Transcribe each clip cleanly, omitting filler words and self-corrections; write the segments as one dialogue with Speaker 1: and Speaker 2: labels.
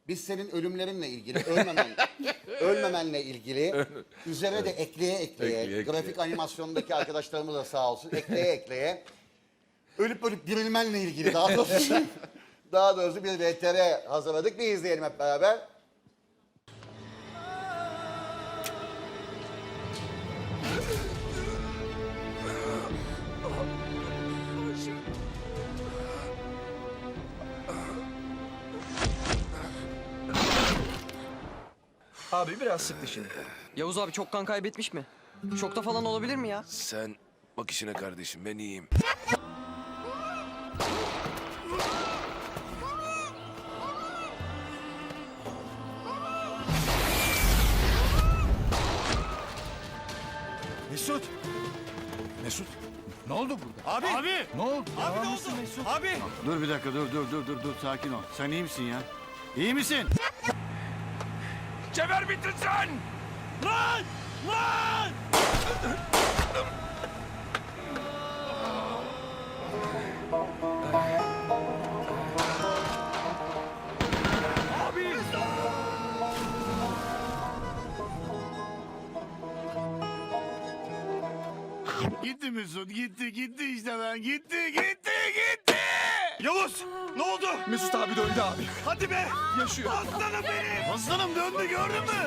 Speaker 1: Biz senin ölümlerinle ilgili, ölmemenle ilgili üzerine de ekleye, grafik animasyondaki arkadaşlarımız da sağ olsun ekleye ölüp dirilmenle ilgili daha doğrusu bir VTR hazırladık. Bir izleyelim hep beraber.
Speaker 2: Abi biraz sık dişini.
Speaker 3: Yavuz abi çok kan kaybetmiş mi? Şokta falan olabilir mi ya?
Speaker 4: Sen bak işine kardeşim, ben iyiyim.
Speaker 5: Mesut! Mesut! Ne oldu burada?
Speaker 2: Abi! Abi!
Speaker 5: Ne oldu?
Speaker 2: Abi ne
Speaker 5: Devam
Speaker 2: oldu?
Speaker 5: mısın Mesut?
Speaker 2: Abi!
Speaker 5: Dur bir dakika, dur. Sakin ol. Sen iyi misin ya? İyi misin?
Speaker 4: Geber bittin sen!
Speaker 2: Lan! Lan!
Speaker 4: Abi!
Speaker 5: Gitti Mesut, gitti işte ben. Gitti.
Speaker 2: Yavuz! Ne oldu?
Speaker 4: Mesut abi döndü abi.
Speaker 2: Hadi be!
Speaker 4: Yaşıyor.
Speaker 2: Aslanım benim!
Speaker 5: Aslanım döndü, gördün mü?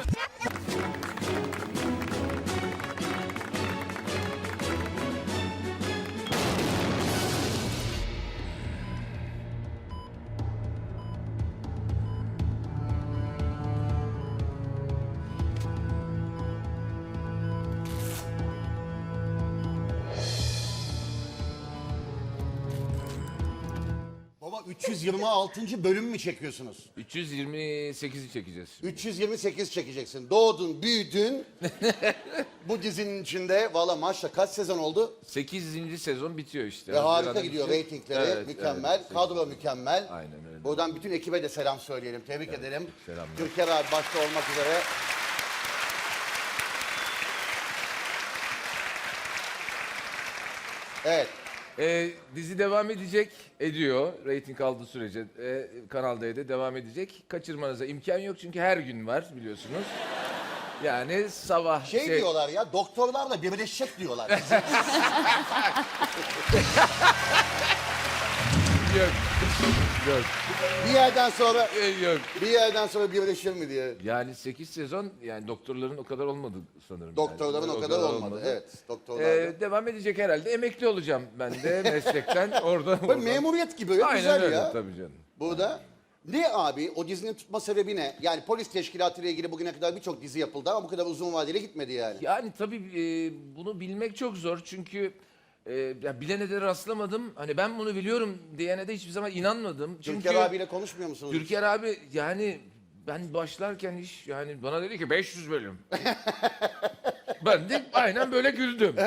Speaker 1: Baba 326. bölüm mü çekiyorsunuz?
Speaker 6: 328'i çekeceğiz.
Speaker 1: 328 çekeceksin. Doğdun, büyüdün. Bu dizinin içinde valla maşallah kaç sezon oldu?
Speaker 6: 8. sezon bitiyor işte.
Speaker 1: Ve harika
Speaker 6: Haziran'da
Speaker 1: gidiyor
Speaker 6: bitiyor.
Speaker 1: reytingleri.
Speaker 6: Evet,
Speaker 1: Mükemmel.
Speaker 6: evet.
Speaker 1: Kadro mükemmel.
Speaker 6: Aynen öyle.
Speaker 1: Buradan bütün ekibe de selam söyleyelim. Tebrik edelim.
Speaker 6: selamlar.
Speaker 1: Türker abi başta olmak üzere. Evet.
Speaker 6: Dizi devam edecek, ediyor. Reyting aldığı sürece Kanal D'de devam edecek. Kaçırmanıza imkan yok çünkü her gün var biliyorsunuz. Yani sabah
Speaker 1: Şey diyorlar ya, doktorlarla birleşecek diyorlar.
Speaker 6: Yok. Yok.
Speaker 1: bir yerden sonra
Speaker 6: Yok.
Speaker 1: birleşir mi diye.
Speaker 6: Yani 8 sezon yani doktorların o kadar olmadı sanırım.
Speaker 1: Doktorların
Speaker 6: yani.
Speaker 1: o kadar olmadı. Evet, doktorlar.
Speaker 6: Devam edecek herhalde. Emekli olacağım ben de meslekten. Orada.
Speaker 1: Memuriyet gibi öyle
Speaker 6: Aynen
Speaker 1: güzel
Speaker 6: öyle
Speaker 1: ya.
Speaker 6: tabii canım.
Speaker 1: Burada ne abi o dizinin tutma sebebi ne? Yani polis teşkilatı ile ilgili bugüne kadar birçok dizi yapıldı ama bu kadar uzun vadeli gitmedi yani.
Speaker 6: Yani tabii bunu bilmek çok zor çünkü ya bilene de rastlamadım. Hani ben bunu biliyorum diyene de hiçbir zaman inanmadım. Çünkü
Speaker 1: Türker abiyle konuşmuyor musunuz?
Speaker 6: Türker abi yani ben başlarken iş yani bana dedi ki 500 bölüm. Ben de aynen böyle güldüm.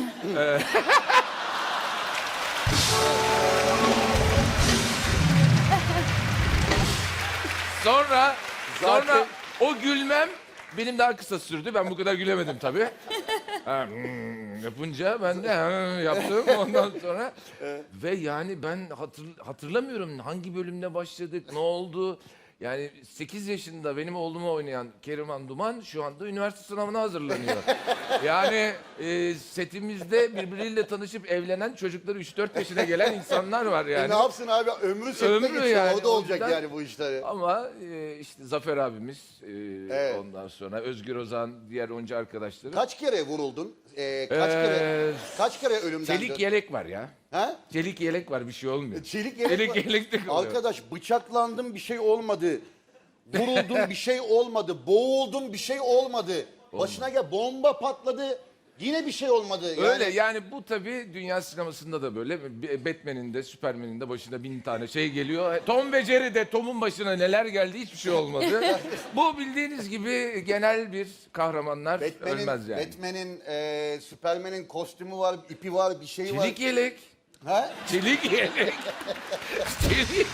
Speaker 6: Sonra
Speaker 1: Zaten-
Speaker 6: o gülmem benim daha kısa sürdü. Ben bu kadar gülemedim tabii. Yapınca ben de yaptım ondan sonra. Ve yani ben hatırlamıyorum hangi bölümde başladık, ne oldu. Yani 8 yaşında benim oğlumu oynayan Keriman Duman şu anda üniversite sınavına hazırlanıyor. Yani setimizde birbiriyle tanışıp evlenen çocukları 3-4 yaşına gelen insanlar var yani.
Speaker 1: Ne yapsın abi ömrü sette
Speaker 6: Ömrü
Speaker 1: geçiyor.
Speaker 6: yani,
Speaker 1: Orada
Speaker 6: o
Speaker 1: olacak
Speaker 6: yüzden-
Speaker 1: yani bu işleri.
Speaker 6: Ama işte Zafer abimiz,
Speaker 1: Evet.
Speaker 6: ondan sonra Özgür Ozan, diğer oyuncu arkadaşları.
Speaker 1: Kaç kere vuruldun? Kaç kere ölümden
Speaker 6: Çelik
Speaker 1: dön-
Speaker 6: yelek var ya.
Speaker 1: Ha?
Speaker 6: Çelik yelek var bir şey olmuyor.
Speaker 1: Çelik yelek var.
Speaker 6: Yelek de kalıyor.
Speaker 1: Arkadaş bıçaklandım bir şey olmadı. Vuruldum bir şey olmadı. Boğuldum bir şey olmadı. Başına gel bomba patladı. Yine bir şey olmadı. Yani,
Speaker 6: Öyle yani bu tabii dünya sinemasında da böyle. Batman'in de Superman'in de başına 1000 tane şey geliyor. Tom ve Jerry'de Tom'un başına neler geldi hiçbir şey olmadı. Bu bildiğiniz gibi genel bir kahramanlar ölmez yani.
Speaker 1: Batman'in, Superman'in kostümü var, ipi var, bir şey var.
Speaker 6: Çelik yelek.
Speaker 1: Ha?
Speaker 6: Çelik yelek. Çelik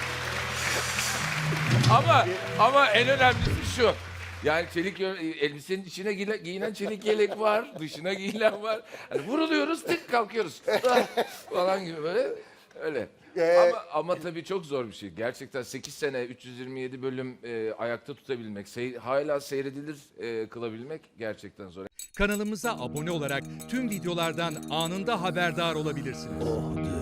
Speaker 6: ama en önemlisi şu. Yani çelik elbisenin içine giyinen çelik yelek var, dışına giyilen var. Hani vuruluyoruz, tık kalkıyoruz. Falan gibi böyle öyle. Ama tabii çok zor bir şey. Gerçekten 8 sene 327 bölüm ayakta tutabilmek, hala seyredilir kılabilmek gerçekten zor.
Speaker 7: Kanalımıza abone olarak tüm videolardan anında haberdar olabilirsiniz.